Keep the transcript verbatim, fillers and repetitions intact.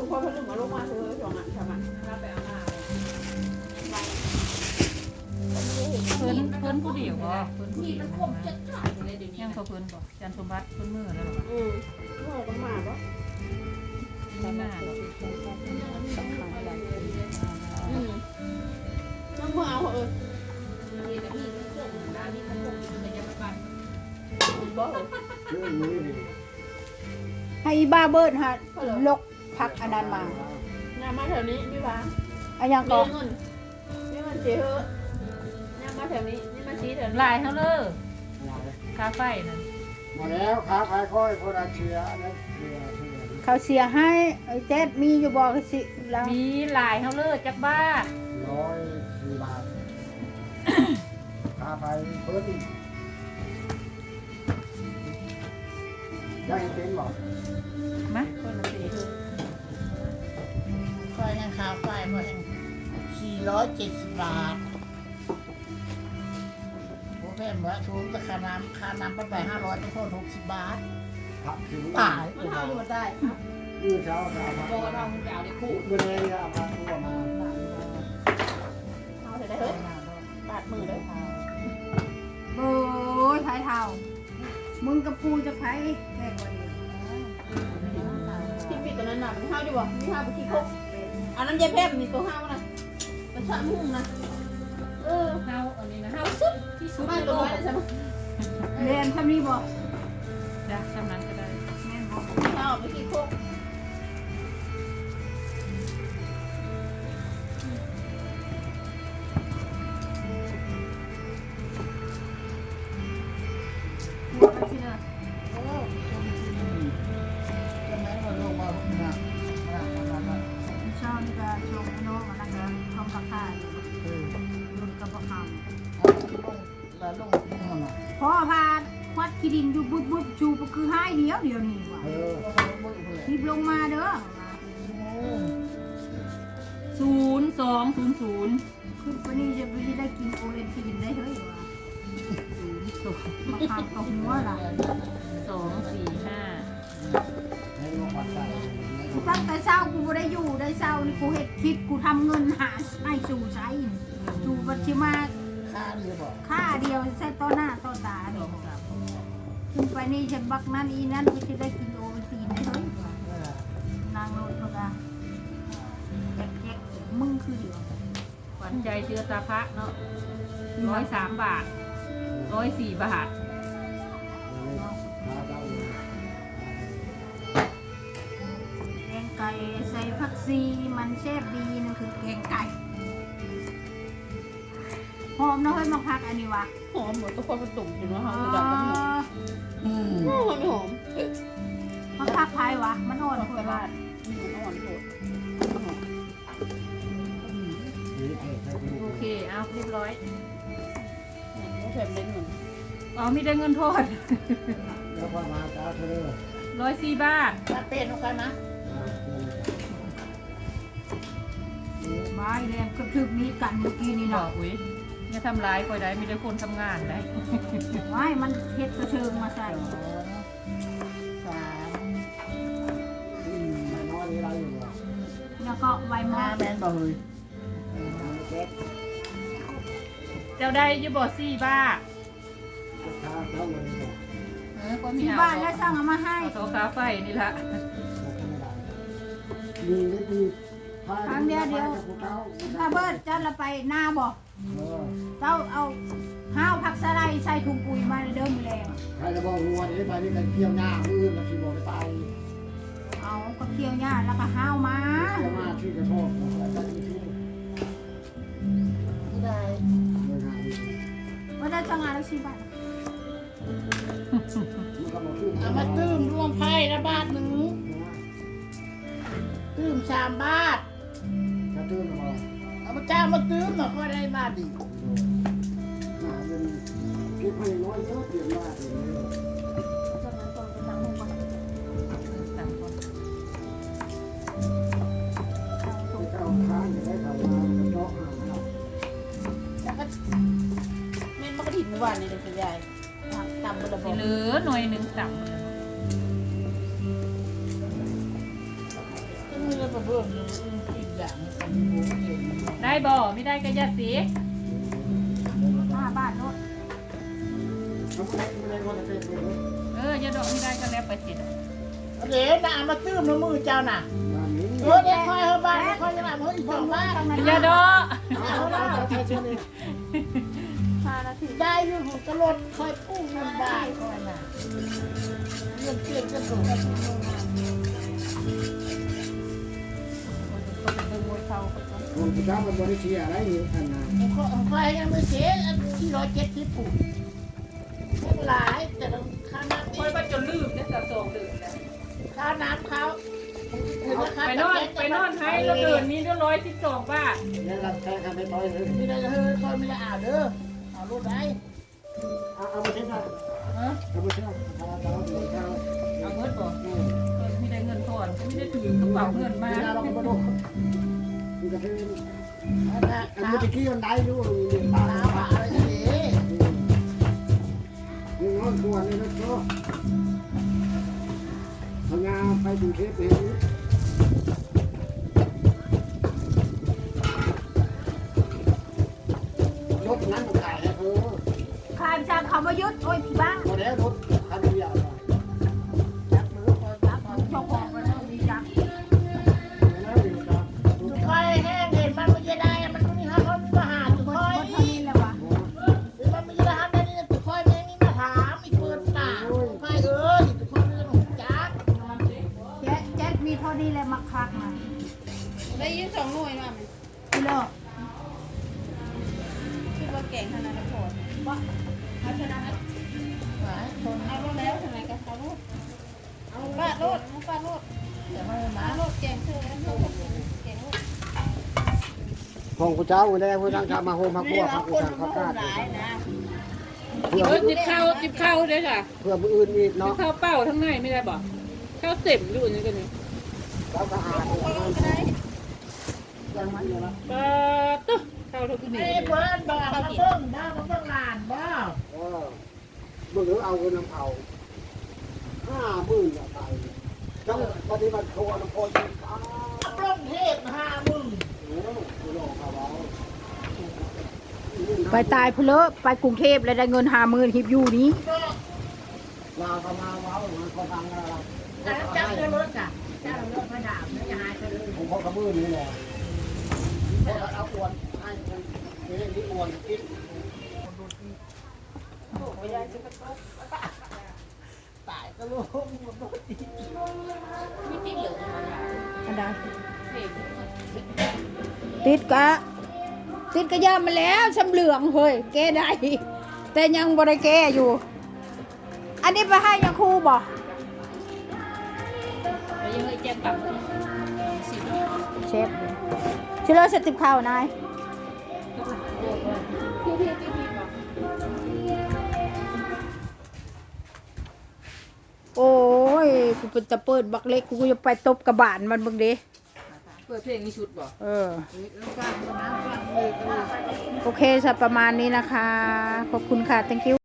พอเขาถึงมาลงมาเธอสองอ่ะทำอ่ะรับไปเอามาเพิ่นเพิ่นผู้เดียวบ่เพิ่นผู้มีเดียวมันคมจัดจ้านเลยเดี๋ยวนี้ยังเขาเพิ่นบ่จันสมบัติเพิ่นมือแล้วหรออืมเมื่อก็มาปะไม่น่าหรอกอืมน้ำมือเอาเออมีแต่มีพวกน้ำมีพวกแต่ยังไม่ปันบ่ให้อีบ้าเบิร์ดฮะลกพักอันนั้นมาน้ำมาแถวนี้พี่บ้าอันยังมีก็เงินมีเงินเสียเหอะน้ำมาแถวนี้นี่มาชี้แถวนี้ลายเฮาเลยคาไฟนั่นมาแล้วขาขายค่อยคนอาเชียนะเชียเชียเขาเสียให้ไอ้เจ๊มีอยู่บอกสิแล้วมีลายเฮาเลยจักบ้าร้อยสี่บาทขาไปเพิ่มอีกได้เป็นบอกมาคนละสี่ค่อยยังค่าไฟค่อยยังสี่ร้อยเจ็ดสิบบาทโอ้แม่บอกถูกแต่ค่าน้ำค่าน้ำไปห้าร้อยต้องโทษหกสิบบาทผักถึงตายมันเอาอยู่ได้ยืดเช้าขามาโบเราคุณจะเอาได้คู่เมื่อไรเนี่ยเอามาตัวมาเอาได้เฮ้ยบาดมือเลยโอ้ยไทยเท่ามึงกับกูจะไผแค่กว่านี้ที่ปีตัวนั้นน่ะมีห้าวดีบ่มีห้าวไปขี้คุกอันนั้นยายแพทย์มีตัวห้าวนะมันชะมุ่งนะเออเฮาอันนี้นะห้าวสุดที่สุดไม่ตัวน้อยเลยใช่ไหมเรียนทำนี้บอกจ้ะทำนั้นก็ได้แม่นบอกห้าวไปขี้คุกหัวกันสิเด้อโอ้จะแม่มาลงมาหนักหนักหนักหนักเช้านี่ก็ชงไอ้น้องมันนั่นก็ทำราคาอยู่เออรุ่นกับประคแล้วลงมาหน่อยำพ่อพาควัดขี้ดินอยู่บุบบุบชูก็คือให้เดียวเดียวนี่ว่ะเออรีบลงมาเด้อศูนย์สองศูนย์ศูนย์ขึ้นไปนี่จะไปได้กินโอเลนทีนได้เฮ้ยว่ะศูนย์สองมาคำกับหัวล่ะสองสี่ห้าให้ลูกปัดใส่กูตั้งแต่เช้ากูบ่ได้อยู่ได้เช้านี่กูเฮ็ดคลิปกูทำเงินหาให้สู่ใช้สู่บัญชีมาค่าดีบอกค่าเดียวใช้ต่อหน้าต่อตาสนี่องสามขึ้นไปนี่ฉันบักนั่นอีนั่นกูจะได้กินโอวัลตินได้เฮ้ยนางโนดเขาก็แจ๊กๆมึงคือเดียวขวัญใจเชื้อตาพระเนาะร้อยสามบาทร้อยสี่บาทขาเจ้าแกงไก่ใส่ผักซีมันแซ่บดีนั่นคือแกงไก่หอมนะเฮ้ยมาพักอันนี้วะหอมหมดตัวคนมันตุ่มอยู่นะอ๋ฮะอมันดำมันหอมอืมมันไม่หอมมาพักไผ่วะมันอ่อนไปคุยบ้าบ้าน นมันอ่อนโหดโอเคเอาเรียบร้อยมันแถมเล่นเหมือนอ๋อมีได้เงินโทษแล้วก็มาเจ้าเธอร้อยสี่บาทถ้าเป็นเอากันนะไม้แรงกระทึกนี้กันเมื่อกี้นี่บอเนาะกอุ้ยอย่าทำร้ายก่อยได้มีแต่คนทำงานได้ไม้มันเฮ็ดกระเชิงมาใส่สามไม่น้อยนี่ไรอยู่หรอแล้วก็ไวมอห้าแมนบอกเลยเจ็ดเจ้าได้อยูบอสี่บาทขาเจ้าเลยบอกเออก็มีที่เอาบ้านแล้วสั่งเอามาให้เอาโต๊ะคาไฟนี่ละดีนิดดีครั้งเดียวเดียวถ้าเบิดเจ้าละไปหน้าบอกเออเจ้าเอาห้าวผักสะไลด์ใส่ถุงปุ๋ยมาเดิมแรงใครจะบอกวัวนี่ไปนี่กันเกี่ยวหน้ามือมาที่บอกไปเอากระเทียมย่าแล้วก็ห้าวมาเกี่ยวมาที่กระโชกแล้วก็ที่ที่ที่ได้เลยงานนี้ว่าได้จังงานแล้วสิบ้านมันก็บอกชื่อเอามาตื้มรวมไพ่ละบาทหนึ่งตื้มสามบาทกระตื้นมาเอามาจ้างมาตื้มหน่อยก็ได้บาทดีหาเงินเก็บให้น้อยเยอะเปลี่ยนมาเองจังนั้นตอนไปตั้งห้องก่อนสามคนไปเข้าค้างได้เข้ามาเจาะหาเราแล้วก็เม่นมันก็ถิ่นเมื่อวานนี่เด็กใหญ่ตำบลบสิเหลือหน่วยหนึ่งต่ำก็มีระบบพิ่มอีกอย่างกันโบเองได้บ่ไม่ได้ก็อย่าสิห้าบาทโน่นเขาไม่ได้ไม่ได้ว่าจะเป็นเลยเอออย่าดอกไม่ได้ก็แล้วไปสิเดี๋ยวน่ะมาตื้มในมือเจ้าน่ะบ้านนี้เออเดี๋ยวคอยเฮาบ้านคอยจะมาเฮ้ยสองบ้านอย่าดอกเอาเอาเอาใช้เชือกนี่ห้านาทีได้อยู่หูกระโดดคอยปุ้งเงินบ้านคอยน่ะเงินเปลี่ยนกระสุนผมจะทำมันบริเชียอะไรนี่อันนั้นผมคอยยังไม่เสียอันที่ร้อยเจ็ดสิบปุ่นหลายแต่ต้องค่าน้ำคอยว่าจนลืมเนี่ยสะสมลืมแล้วค่าน้ำเขาไปนอนไปนอนให้แล้วเดินมีเรื่องร้อยสิบสองบาทเนี่ยเราแค่ทำไม่ต่อยเลยไม่ได้เฮ้ยคอยไม่ได้อ่านเด้อเอารถได้เอาเอาไปเช็คเอาฮะเอาไปเช็คเอาเอาเอาเอาเอาเงินบ่ไม่ได้เงินก่อนไม่ได้ถือกระเป๋าเงินมาเวลาเราไปดูมันจะเป็นอันนั้นอันนี้ตะกี้มันได้อยู่หนึ่งบาทน้ำอะไรนี่หนึ่งร้อยตัวนี่นะก็เอางาไปดูเทปเห็นรถนั้นมันขายให้เธอขายจากเขามายุดโอ้ยพี่บ้าพอแล้วรถคันเดียวจับมือคอยจับเจ้าของมันต้องมีจักแล้วเดี๋ยวจะคอยแห้งเห็นมันไม่ได้มันไม่มีห้าคนมาหาจุดคนคอยคนเท่านี้แหละวะหรือมันไม่ได้ทำได้นี่จุดคอยแม่งนี่มาถามอีกเปิดตาคอยเอ้ยจุดคอยเรื่องของจักแจ๊แจ๊มีเท่านี้แหละมักคักมาได้ยินสองหน่วยมาไหมพี่เลิกคิดว่าเก่งขนาดนั้นพอว่าเอาชนะหลายคนเอารถแล้วทำไมกันเอารถเอาปาดรถเอาปาดรถแต่ไม่มาปาดรถเก่งเธอแล้วเธอเก่งรถของกูเจ้าได้ผู้ตั้งชามาโฮมาพวกกูสั่งข้าวกาดหลายนะเพื่อเออจิบข้าวจิบข้าวด้วยค่ะเพื่อผู้อื่นอีกจิบเนาะข้าวเป้าทั้งในไม่ได้บ่ข้าวเต็มอยู่นี่กันนี่เราก็อ่านปลาตุ๊ข้าวเท่าที่นี่ไอ้เบิร์นบอกมาเพิ่งบ้ามาเพิ่งลานบ้าเออมึงถือเอาเงินน้ำเผาห้าหมื่นอะไปจังปฏิบัติโทน้ำโพจิอ้าวปล้นเทพห้ามึงโอ้กูหลอกเขาเอาไปตายเพลอไปกรุงเทพแล้วได้เงินห้าหมื่นฮิบอยู่นี้ก็ลาเขามาเว้ามันก็ฟังอะไรแต่จับเงินรถจ้ะจ้าเราเลิกมาด่าไม่จะหายไปเลยผมพอกระมือนี่แหละพอเอาอวนให้มันนี่นี่อวนกินตายก็รู้มันต้องตีไม่ติดเหลืออันใดเก่งติดกะ ติดกะยามาแล้วชำเหลืองเฮ้ยแก้ได้แต่ยังบริแก้อยู่ อันนี้ไปให้ยังครูบ่ไปยังไงแจ้งปรับสิเชฟชิโร่สติบข้าวนายพี่พี่พี่พี่บอกโอ้ยกูเป็นตะเปิดบักเล็กกูจะไปตบกระบาลมันเบึงเด้เปิดเพลงนี้ชุดบ่เออแล้วฟังนะฟังเลยก็เลยโอเคสำหรับประมาณนี้นะคะ ขอบคุณค่ะ thank you